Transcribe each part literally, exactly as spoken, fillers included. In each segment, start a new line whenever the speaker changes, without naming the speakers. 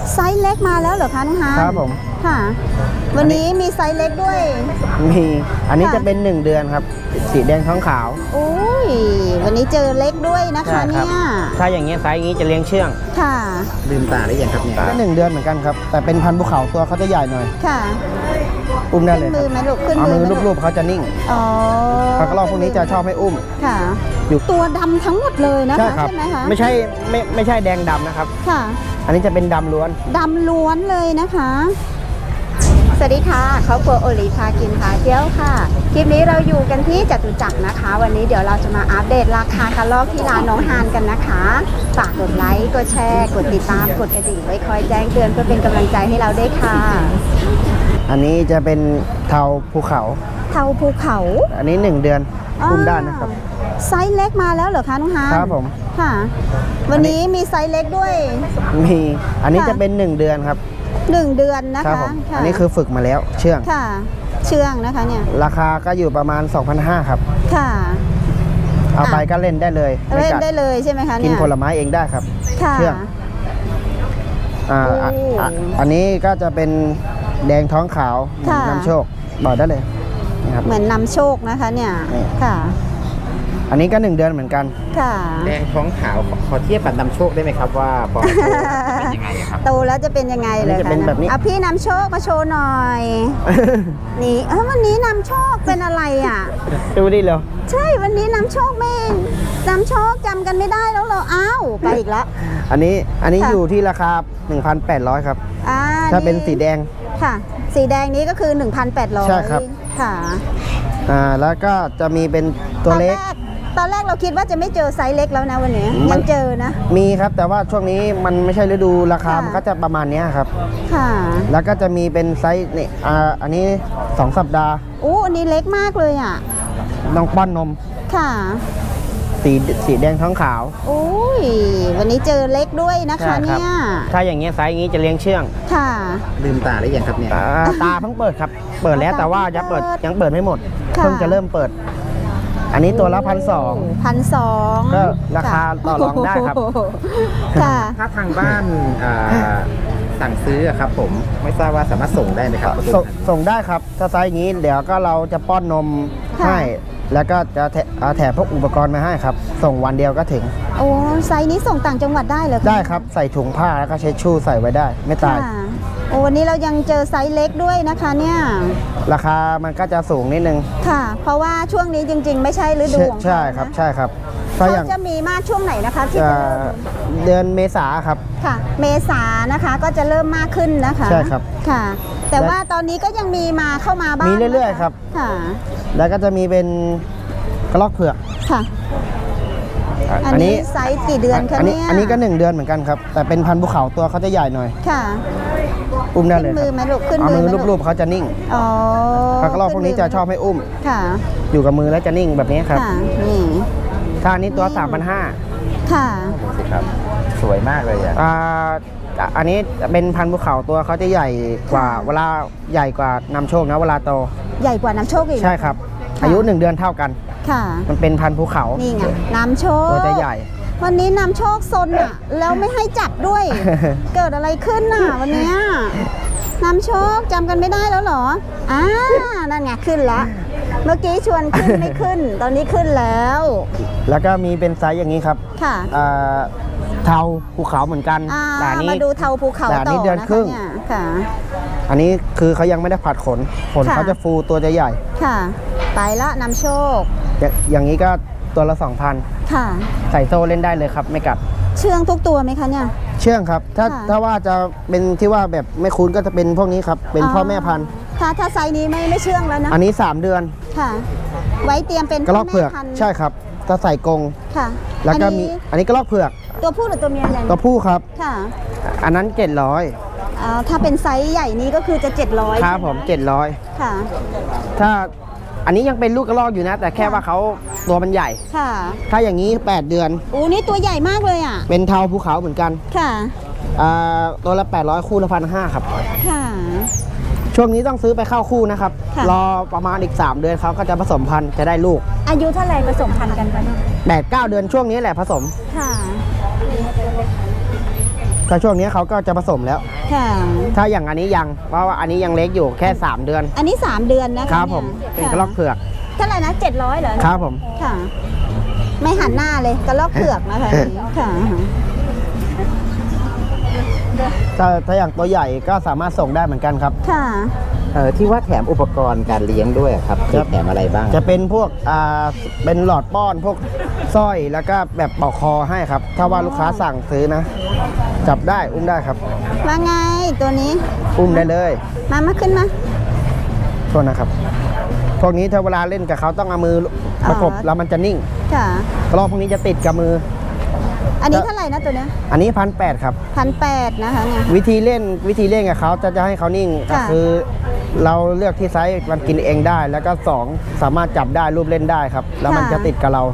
ไซส์เล็กมาแล้วเหรอคะน้องฮาร์ด
ครับผม
ค่ะวันนี้มีไซส์เล็กด้วย
มีอันนี้จะเป็นหนึ่งเดือนครับสีแดงท้องขาว
โอ้ยวันนี้เจอเล็กด้วยนะคะเนี่ย
ถ้าอย่างเงี้ยไซส์นี้จะเลี้ยงเชื่อง
ค่ะ
ลืมตาได้ยังครับเนี่ย
ก็หนึ่งเดือนเหมือนกันครับแต่เป็นพันธุ์ภูเขาตัวเขาจะใหญ่หน่อย
ค่ะ
อุ้มได้เลย
มือไหมลูกขึ้น
เอามือรูปๆเขาจะนิ่ง
อ๋อ
ปลากระรอกพวกนี้จะชอบให้อุ้ม
ค่ะอยู่ตัวดำทั้งหมดเลยนะคะใช่ไหมคะ
ไม่ใช่ไม่ไม่ใช่แดงดำนะครับ
ค่ะ
อันนี้จะเป็นดำล้วน
ดำล้วนเลยนะคะสวัสดีค่ะครอบครัวโอลีพากินพาเที่ยวค่ะคลิปนี้เราอยู่กันที่จตุจักรนะคะวันนี้เดี๋ยวเราจะมาอัปเดตราคากระรอกที่ร้านน้องฮานกันนะคะฝากกดไลค์กดแชร์กดติดตามกดกระดิ่งไว้คอยแจ้งเตือนเพื่อเป็นกำลังใจให้เราด้วยค่ะ
อันนี้จะเป็นเทาภูเขา
เทาภูเขา
อันนี้หนึ่งเดือนอุ้มได้นะครับ
ไซส์เล็กมาแล้วเหรอคะน้องฮาน
ครับผม
ค่ะวันนี้มีไซส์เล็กด้วย
มีอันนี้จะเป็นหนึ่งเดือนครับ
หนึ่งเดือนนะคะ
อันนี้คือฝึกมาแล้วเชื่อง
ค่ะเชื่องนะคะเนี่ย
ราคาก็อยู่ประมาณ สองพันห้าร้อย ครับค่ะเอาไปก็เล่นได้เลย
เล่นได้เลยใช่ไหมคะ
กินผลไม้เองได้ครับ
เชื่อง
อ่าอันนี้ก็จะเป็นแดงท้องขาวน้ำโชคบอกได้เลย
นะครับเหมือนนำโชคนะคะเนี่ยค่ะ
อันนี้ก็หนึ่งเดือนเหมือนกัน
ค่ะ
แดงท้องขาวขอเทียบกับนำโชคได้ไหมครับว่าพอเป็นยังไงครับ
โตแล้วจะเป็นยังไงเลยคะอ่ะพี่นำโชคมาโชว์หน่อยนี่เออวันนี้นำโชคเป็นอะไรอ่ะ
ดูดิเหรอ
ใช่วันนี้นำโชคไม่นำโชคจำกันไม่ได้แล้วเหรออ้าวไปอีกแล้ว
อันนี้อันนี้อยู่ที่ราคา หนึ่งพันแปดร้อย ครับถ้าเป็นสีแดง
ค่ะสีแดงนี้ก็คือ หนึ่งพันแปดร้อย
ใช่ครับ
ค่ะ
อ่าแล้วก็จะมีเป็นตัวเล็ก
ตอนแรกเราคิดว่าจะไม่เจอไซส์เล็กแล้วนะวันนี้ยังเจอนะ
มีครับแต่ว่าช่วงนี้มันไม่ใช่ฤดูราคามันก็จะประมาณนี้ครับ
ค่ะ
แล้วก็จะมีเป็นไซส์นี่อ่าอันนี้สองสัปดาห์
อู้อันนี้เล็กมากเลยอ่ะ
น้องป้อนนม
ค่ะ
สีสีแดงท้องขาว
โอ้ยวันนี้เจอเล็กด้วยนะคะเนี่ย
ถ้าอย่างเงี้ยไซส์นี้จะเลี้ยงเชื่อง
ค่ะ
ลืมตาได้ยังครับเนี่ย
ตาเพิ่งเปิดครับเปิดแล้วแต่ว่ายังเปิดยังเปิดไม่หมดเพิ่งจะเริ่มเปิดอันนี้ตัวละพันสอง
พันสอง
ก็ราคาต่อรองได้ครับ
ค่ะ
ถ้าทางบ้านสั่งซื้อครับผมไม่ทราบว่าสามารถส่งได้ไหมครับ
ส่งได้ครับถ้าไซส์อย่างนี้เดี๋ยวก็เราจะป้อนนมให้แล้วก็จะแถมพวกอุปกรณ์มาให้ครับส่งวันเดียวก็ถึง
โอ้ไซส์นี้ส่งต่างจังหวัดได้เหรอ
ได้ครับใส่ถุงผ้าแล้วก็เช็ดชู่ใส่ไว้ได้ไม่ตาย
โอ้วันนี้เรายังเจอไซส์เล็กด้วยนะคะเนี่ย
ราคามันก็จะสูงนิดนึง
ค่ะเพราะว่าช่วงนี้จริงๆไม่ใช่ฤดูของเขา
ใช่ครับใช่ครับ
เขาจะมีมากช่วงไหนนะคะที่
เดือนเมษาครับ
ค่ะเมษานะคะก็จะเริ่มมากขึ้นนะคะ
ใช่ครับ
ค่ะแต่ว่าตอนนี้ก็ยังมีมาเข้ามาบ้าง
มีเรื่อยๆครับ
ค่ะ
แล้วก็จะมีเป็นกระรอกเผือก
ค่ะอันนี้ไซส์กี่เดือนคะเนี่ย
อันนี้ก็หนึ่งเดือนเหมือนกันครับแต่เป็นพันธุ์ภูเขาตัวเขาจะใหญ่หน่อย
ค่ะ
อุ้มได้เลย
มือไหมลูกขึ้น
มือรูปๆเขาจะนิ่ง
อ๋อ
ปลากระรอกพวกนี้จะชอบให้อุ้ม
ค่ะ
อยู่กับมือแล้วจะนิ่งแบบนี้ครับ
นี่
ถ้านี้ตัว สามพันห้าร้อย
ค่ะ
ดูสิครับสวยมากเลยอ่ะ
อ่าอันนี้เป็นพันธุ์ภูเขาตัวเขาจะใหญ่กว่าเวลาใหญ่กว่านำโชคนะเวลาโต
ใหญ่กว่านำโชคอีก
ใช่ครับอายุหนึ่งเดือนเท่ากัน
ค่ะ
มันเป็นพันธุ์ภูเขา
นี่ไงนำโชค
ตัวจะใหญ่
วันนี้นำโชคซนอ่ะแล้วไม่ให้จับด้วย เกิดอะไรขึ้นน่ะวันนี้นำโชคจำกันไม่ได้แล้วเหรออ่านั่นไงขึ้นละเมื่อกี้ชวนขึ้นไม่ขึ้นตอนนี้ขึ้นแล้ว
แล้วก็มีเป็นไซส์อย่างนี้ครับ
ค่ะ
เทาภูเขาเหมือนกัน
แต่นี้มาดูเทาภูเขาต่อ
นี้เดือนครึ่ง
ค่ะ
อันนี้คือเขายังไม่ได้ผัดขนขนเขาจะฟูตัวจะใหญ่
ค่ะไปละนำโชค
อย่างนี้ก็ตัวละ สองพัน
ค่ะ
ใส่โซ่เล่นได้เลยครับไม่กัด
เชื่องทุกตัวไหมคะเนี่ย
เชื่องครับถ้าถ้าว่าจะเป็นที่ว่าแบบไม่คุ้นก็จะเป็นพวกนี้ครับเป็นพ่อแม่พันธุ์
ถ้าถ้าไซส์นี้ไม่ไม่เชื่องแล้วนะ
อันนี้สามเดือน
ค่ะไว้เตรียมเป็น
กระรอกเผือกใช่ครับถ้าใส่กรง
ค่ะ
แล้วก็มีอันนี้กระรอกเผือก
ตัวผู้หรือตัวเมียเนี่ย
ตัวผู้ครับ
ค่ะ
อันนั้นเจ็ดร้อย
อ่าถ้าเป็นไซส์ใหญ่นี้ก็คือจะเจ็ดร้อย
ครับผมเจ็ดร้อย
ค่ะ
ถ้าอันนี้ยังเป็นลูกกระรอกอยู่นะแต่แค่ว่าเขาตัวมันใหญ่
ค่ะ
ถ้าอย่างนี้แปดเดือน
อู้นี่ตัวใหญ่มากเลยอ่ะ
เป็นเทาภูเขาเหมือนกัน
ค่ะ
อ่าตัวละแปดร้อยคู่ละพันห้าครับ
ค่ะ
ช่วงนี้ต้องซื้อไปเข้าคู่นะครับรอประมาณอีกสามเดือนเขาก็จะผสมพันธุ์จะได้ลูก
อายุเท่าไหร่ผสมพันธุ์กันไปเนี่ย
แปดเก้าเดือนช่วงนี้แหละผสม
ค่ะ
ถ้าช่วงนี้เขาก็จะผสมแล้ว
ค่ะ
ถ้าอย่างอันนี้ยังเพราะว่าอันนี้ยังเล็กอยู่แค่ สาม เดือน
อันนี้สามเดือนนะคะ
ครับผม
เนี่ย
เป็นกระรอกเผือก
เท่าไหร่นะเจ็ดร้อยเหรอ
ครับผม
ค่ะ ไม่หันหน้าเลยกระลอกเผือกนะคะนี่ค่ะ
ถ้าถ้าอย่างตัวใหญ่ก็สามารถส่งได้เหมือนกันครับ
ค่ะ
เออที่ว่าแถมอุปกรณ์การเลี้ยงด้วยอะครับจะแถมอะไรบ้าง
จะเป็นพวกอ่าเป็นหลอดป้อนพวกสร้อยแล้วก็แบบเป่าคอให้ครับ ถ้าว่าลูกค้าสั่งซื้อนะ จับได้อุ้มได้ครับ
ว่าไงตัวนี้
อุ้มได้เลย
มามาขึ้นมา
โทษนะครับ พวกนี้ถ้าเวลาเล่นกับเขาต้องเอามือประกบ
อ๋อ
แล้วมันจะนิ่ง
ค่ะ
กรอบพวกนี้จะติดกับมือ
อันนี้เท่าไหร่นะตัวเนี้ย
อันนี้พันแปดครับ
พันแปดนะคะเนี่ย
วิธีเล่นวิธีเล่นกับเขาจะจะให้เขานิ่งก็
ค่ะ
คือ เราเลือกที่ไซส์มันกินเองได้ แล้วก็สองสามารถจับได้รูปเล่นได้ครับ แล้วมันจะติดกับเรา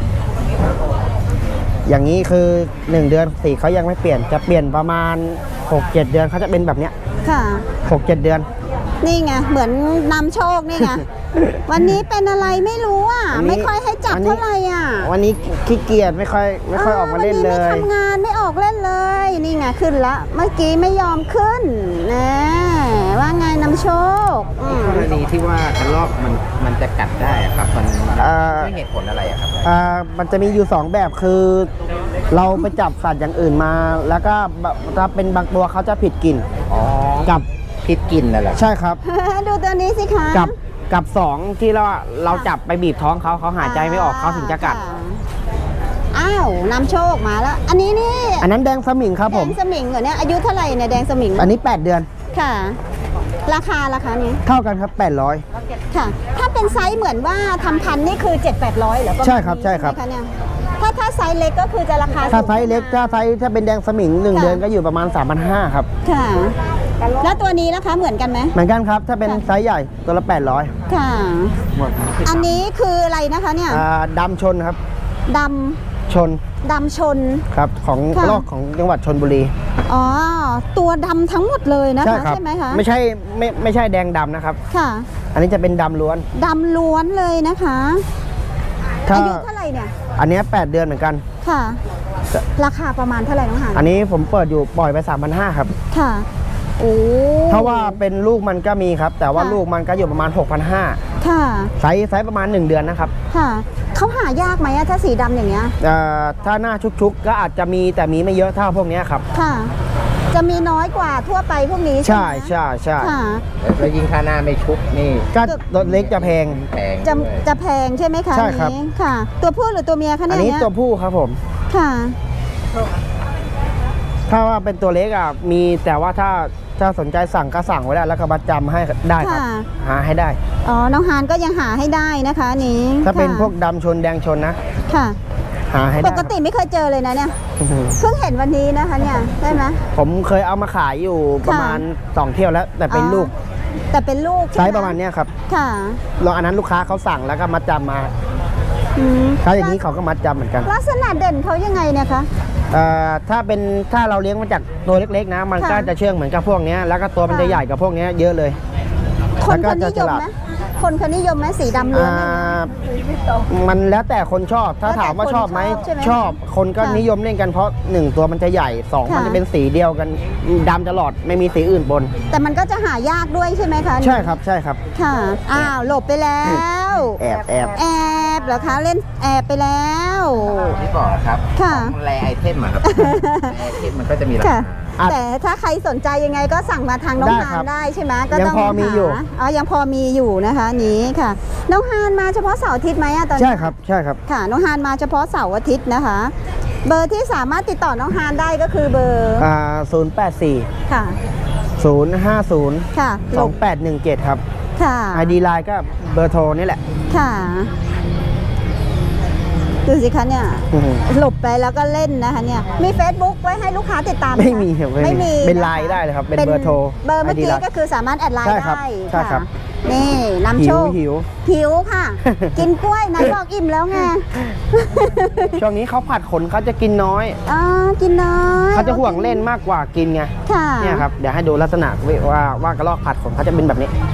อย่างนี้คือหนึ่งเดือนสีเขายังไม่เปลี่ยนจะเปลี่ยนประมาณหกเจ็ดเดือนเขาจะเป็นแบบเนี้ย
ค่ะ
หกเจ็ดเดือน
นี่ไงเหมือนนำโชคนี่ ไง วันนี้เป็นอะไรไม่รู้อ่ะ
อันนี้
ไม่ค่อยให้จับ
อันนี้
เท่าไหร่อ่ะ
วันนี้ขี้เกียจไม่ค่อยไม่ค่อยออกมาเล่นเล
วันนี้ไม่
ย
ทำงานไม่ออกเล่นเลย นี่ไงขึ้นละ เมื่อกี้ไม่ยอมขึ้นนะว่าไงนำโชคอืม
กรณีที่ว่ากระรอกมันมันจะกัดได้อะครับมัน
อ่า
ด้วยเหตุผลอะไรอะครับ
อ่ามันจะมีอยู่สองแบบคือ เราไปจับสัตว์อย่างอื่นมา แล้วก็บะถ้าเป็นบางตัวเขาจะผิดกลิ่น
อ๋อ
กับ
พิษกินนั่นแหละ
ใช่ครับ
ดูตัวนี้สิคะ
กับกับสองที่เราเราจับไปบีบท้องเขาเขาหายใจไม่ออกเขาถึงจะกัด
ค่อ้าวนำโชคมาแล้ว อันนี้นี่
อันนั้นแดงสมิงครับ
แด
ผม
งสมิงเหรอเนี่ยอายุเท่าไหร่เนี่ยแดงสมิง
อันนี้ แปด เดือน
ค่ะ ราคาราคานี้
เท่ากันครับ แปดร้อย
ค่ะ ถ้าเป็นไซส์เหมือนว่าทำพันธุ์นี่คือ เจ็ดแปดร้อยเหรอประมาณ
ใช่ครับ
นี้
ใช่ครับ
ไหมะเนี่ยถ้าถ้าไซส์เล็กก็คือจะราคา
ถ้า
สูง
ไซส์เล็กถ้าไซส์ถ้าเป็นแดงสมิงหนึ่ง
ค่ะ
เดือนก็อยู่ประมาณ สามพันห้าร้อย ครับ
ค่ะ แล้วตัวนี้นะคะเหมือนกันไหม
เหมือนกันครับ ถ้าเป็น
ค่ะ
ไซส์ใหญ่ตัวละ แปดร้อย
ค่ะ อันนี้คืออะไรนะคะเนี่ย
อ่าดำชนครับ
ด
ชน
ำดำชน
ครับของ
ค่ะ
ลอกของจังหวัดชนบุรี
อ๋อ ตัวดำทั้งหมดเลยนะคะ
ครั
ใช่ไหมคะ
ไม่ใช่ไม่ไม่ใช่แดงดำนะครับ
ค่ะ
อันนี้จะเป็นดำล้วน
ดำล้วนเลยนะคะ
ถ้า
อายุเท่าไหร่เนี่ย
อันเนี้ยแปดเดือนเหมือนกัน
ค่ะ ราคาประมาณเท่าไหร่น้องหาน
อันนี้ผมเปิดอยู่ปล่อยไป สามพันห้าร้อย ครับ
ค่ะ โอ้
ถ้าว่าเป็นลูกมันก็มีครับ แต่ว่า
ค่ะ
ลูกมันก็อยู่ประมาณ หกพันห้าร้อย
ค่ะ
ไซส์ไซส์ประมาณ หนึ่ง เดือนนะครับ
ค่ะ เขาหายากไหมอะถ้าสีดำอย่างเงี้ย
เอ่อถ้าหน้าชุกๆ ก็อาจจะมีแต่มีไม่เยอะเท่าพวกเนี้ยครับ
ค่ะ จะมีน้อยกว่าทั่วไปพวกนี้
ใช่
ไหม
ใช่ใช่
ค่ะ
แล้วยิ่งค่าหน้าไม่ชุบนี่
ก็รถเล็กจะแพง
แพง
จะ
ด้วย
จะแพงใช่ไหมคะ
ใช่ครับ
อันนี้ค่ะ ตัวผู้หรือตัวเมียคะ
อั
เนี่ย
นนี้
เนี่ย
ตัวผู้ครับผม
ค่ะ
ถ้าว่าเป็นตัวเล็กอ่ะมีแต่ว่าถ้าถ้าสนใจสั่งก็สั่งไว้ได้แล้วก็บัตรจำให้ได้ครับ
ค่ะ
หาให้ได้
อ๋อ น้องฮานก็ยังหาให้ได้นะคะอันนี้
ถ้าเป็น
ค่ะ
พวกดำชนแดงชนนะ
ค่ะ
หาให้
ป
ได้
กติไม่เคยเจอเลยนะเนี่ย
อื้อหือ
เพิ่งเห็นวันนี้นะคะเนี่ยใช่ไหม
ผมเคยเอามาขายอยู่ประมาณสองเที่ยวแล้ว แต่เป็น
อ๋อ
ลูก
แต่เป็นลูก
ไซ
ใช่ไห
ส์ประมาณเนี้ยครับ
ค่ะ
แล้วอันนั้นลูกค้าเขาสั่งแล้วก็มัดจำมา
อืม
ถ้าอย่างนี้เขาก็มัดจำเหมือนกัน
ลักษณะเด่นเขายังไงเนี่ยคะ
เอ่อถ้าเป็นถ้าเราเลี้ยงมาจากตัวเล็กๆนะ มัน
ค่ะ
ก็จะเชื่องเหมือนกับพวกเนี้ยแล้วก็ตัวมัน
ค่ะ
จะใหญ่กับพวกเนี้ยเยอะเลย
คน
แล้วก็
เขานิ
จะ
ยม
ฉลาด
ไหมคนเขานิยมไหมสีดำล้วน
อ่า
เนี่ยนะ
มันแล้วแต่คนชอบ ถ้าถามว่าชอบไหม
แล้วแต่คนชอบใช่ไหม
ชอบ คนก็
ค่ะ
นิยมเล่นกันเพราะหนึ่งตัวมันจะใหญ่สอง
ค่ะ
มันจะเป็นสีเดียวกันดำตลอดไม่มีสีอื่นบน
แต่มันก็จะหายากด้วยใช่ไหมคะ
ใช่ครับใช่ครับ
ค่ะ อ้าว หลบไปแล้ว
แอบแอบ
แอบเหรอคะ เล่นแอบไปแล้ว
ที่บอกครับ
ค่ะ
ของแรไอเทมอะครับ แรไอเทมมันก็จะมีรา
ค่ะ
คา
อ่ะ
แต่ถ้าใครสนใจยังไงก็สั่งมาทางน้อง
ได้
ฮา
ครั
น
บ
ได้ใช่ไหมก็
ยัง
ต้อง
พอมีอยู่
หาอ๋อยังพอมีอยู่นะคะนี้ค่ะ น้องฮานมาเฉพาะเสาร์อาทิตย์ไหมอะตอนนี้
ใช่ครับใช่ครับ
ค่ะ น้องฮานมาเฉพาะเสาร์อาทิตย์นะคะ เบอร์ที่สามารถติดต่อน้องฮานได้ก็คือเบอร์
อ่าศูนย์แปดสี่
ค่ะ
ศูนย์ห้าศูนย์
ค่ะ
สองแปดหนึ่งเจ็ดครับ
ค่ะ
ไอดีไลน์ก็เบอร์โทรนี่แหละ
ค่ะดูสิคะเนี่ย
อื้อหือ
หลบไปแล้วก็เล่นนะคะเนี่ยมี Facebook ไว้ให้ลูกค้าติดตามห
ไม่
คะ
มีครับ
ไม่มี
เป็น
นะคะ
ไลน์ได้เลยครับเป็นเบอร์โทร
เบอร์เมื่อ
ไอ ดี
กี้
ไลน์
ก็คือสามารถแอดไลน์
ใช่ครับ
ได้
ใช่ครับ
ะนี่นำโชค
หิว
หิวค่ะ กินกล้วยนายบอกอิ่มแล้วไง
ช่วงนี้เขาผัดขนเขาจะกินน้อย
อ๋อกินน้อย
เขาจะห่วงเล่นมากกว่ากินไง
ค่ะ
เนี่ยครับเดี๋ยวให้ดูลักษณะว่าว่ากระรอกผัดขนเขาจะเป็นแบบนี้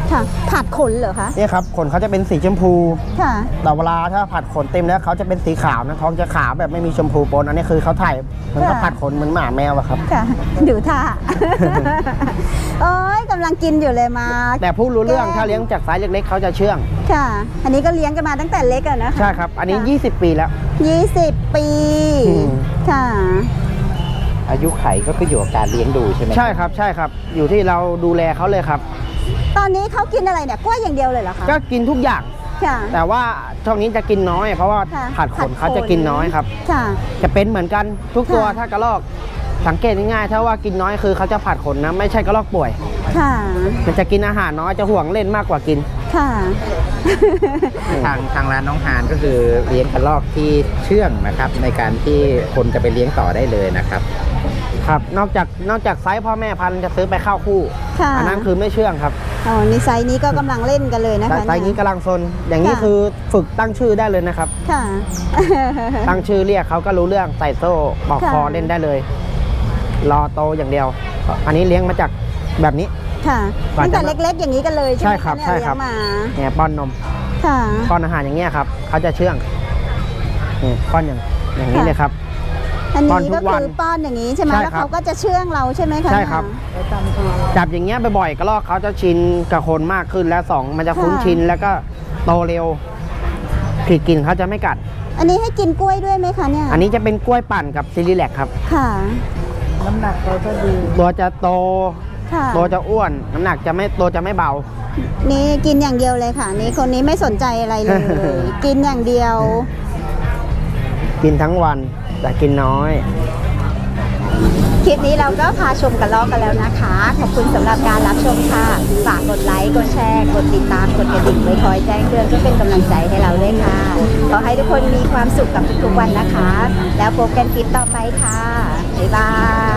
ค่ะผัดขนเหรอคะ
เนี่ยครับขนเขาจะเป็นสีชมพู
ค่ะ
แต่เวลาถ้าผัดขนเต็มแล้วเขาจะเป็นสีขาวนะท้องจะขาวแบบไม่มีชมพูปนอันนี้คือเขาถ่ายเหมือนกับ
ค่ะ
ผัดขนเหมือนหมาแมวอะครับ
ค่ะดูท่า โอ้ยกำลังกินอยู่เลยมา
แต่ผู้รู้เรื่อง
แกล้ง
ถ้าเลี้ยงจากไซส์เล็กๆเขาจะเชื่อง
ค่ะ อันนี้ก็เลี้ยงกันมาตั้งแต่เล็กอะนะคะ
ใช่ครับ อันนี้
ค่ะ
ยี่สิบปีแล้ว
ยี่สิบปี
อืม
ค่ะ
อายุไขก็คืออยู่กับการเลี้ยงดูใช่ไหม
ใช่ครับใช่ครับ อยู่ที่เราดูแลเขาเลยครับ
ตอนนี้เขากินอะไรเนี่ยกล้วยอย่างเดียวเลยเหรอคะ
ก็กินทุกอย่าง
ค่ะ
แต่ว่าช่วงนี้จะกินน้อย เพราะว่า
ค่ะ
ผัดขนเขาจะกินน้อยครับ
ค่ะ
จะเป็นเหมือนกันทุกตัว
ค่ะ
ถ้ากระรอกสังเกตง่ายๆถ้าว่ากินน้อยคือเขาจะผัดขนนะไม่ใช่กระรอกป่วย
ค่ะ
มันจะกินอาหารน้อยจะห่วงเล่นมากกว่ากิน
ค่ะ
ทางทางร้านน้องฮานก็คือเลี้ยงกระรอกที่เชื่องนะครับ ในการที่คนจะไปเลี้ยงต่อได้เลยนะครับ
ครับนอกจากนอกจากไซส์พ่อแม่พันธุ์จะซื้อไปเข้าคู่
ค่ะ
อันั้นคือไม่เชื่องครับ
อ๋อนี่ไซส์นี้ก็กำลังเล่นกันเลยนะคะ
ไซส์นี้
เย
กำลังซนอย่างนี้
ค่ะ
คือฝึกตั้งชื่อได้เลยนะครับ
ค่ะ
ตั้งชื่อเรียกเขาก็รู้เรื่องใส่โซ่ปอกคอ
ค่ะ
เล่นได้เลย รอโตอย่างเดียว อันนี้เลี้ยงมาจากแบบนี้
ค่ะ
ก่อน
ตั้ง
จะ
แต่เล็กๆอย่างนี้กันเลยใช่ไหม
ใช่ครับ
ะเนี่ย
ใช่ครับ
เลี้ยงมา
เนี่ยป้อนนม
ค่ะ
ป้อนอาหารอย่างเงี้ยครับเขาจะเชื่องนี่ป้อนอย่างอย่างนี้
ค่ะ
เลยครับ
อัน
ป้อน
นี้
ทุ
ก็
กวั
คื
น
อป้อนอย่างนี้ใช่ไหม
ใช่
แล้ว
ครับ
เขาก็จะเชื่องเราใช่ไหมคะ
ใช่ครับ จับอย่างเงี้ยบ่อยๆกระรอกเขาจะชินกับคนมากขึ้นแล้วสองมันจะคุ้นชินแล้วก็โตเร็วผิดกินเขาจะไม่กัด
อันนี้ให้กินกล้วยด้วยไหมคะเนี่ย
อันนี้จะเป็นกล้วยปั่นกับซิลิแลกครับ
ค่ะ
น้ำหนักเราก็ดี
ตัวจะโต
ค่ะ
ตัวจะอ้วน น้ำหนักจะไม่ตัวจะไม่เบา
นี่กินอย่างเดียวเลยค่ะ นี่คนนี้ไม่สนใจอะไรเลย กินอย่างเดียว
กินทั้งวันแต่กินน้อย
คลิปนี้เราก็พาชมกระรอกกันแล้วนะคะ ขอบคุณสำหรับการรับชมค่ะ ฝากกดไลค์ กดแชร์ กดติดตาม กดกระดิ่งไว้คอยแจ้งเตือนเพื่อเป็นกำลังใจให้เราด้วยค่ะ ขอให้ทุกคนมีความสุขกับทุกๆวันนะคะ แล้วพบกันคลิปต่อไปค่ะ บ๊ายบาย